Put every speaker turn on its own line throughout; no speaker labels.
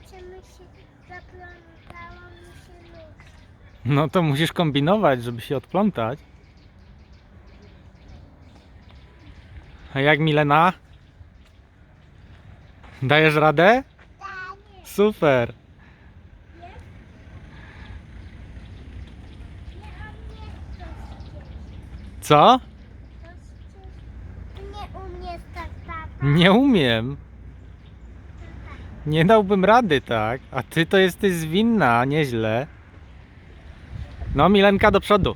Czy mi się zaplątało mi się nóż?
No to musisz kombinować, żeby się odplątać. A jak Milena? Dajesz radę?
Tak,
Super.
nie? Nie, a mnie to ścież.
Co?
To ścież. Ty nie umiesz tak, tata.
Nie umiem. Nie dałbym rady, tak? A ty to jesteś zwinna, nieźle. No, Milenka, do przodu.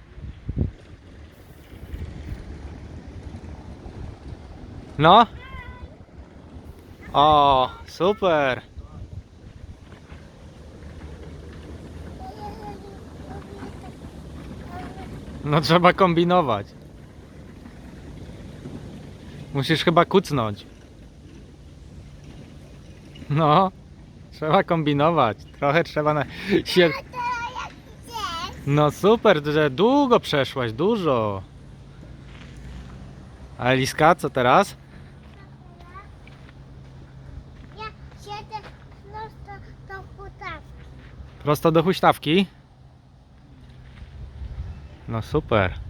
No. O, super. No trzeba kombinować. Musisz chyba kucnąć. No, trzeba kombinować. Trochę trzeba się...
Tata, jak chcesz?
No super, że długo przeszłaś, dużo. A Eliska, co teraz?
Ja siedzę prosto do hutawki.
Prosto do huśtawki? No super.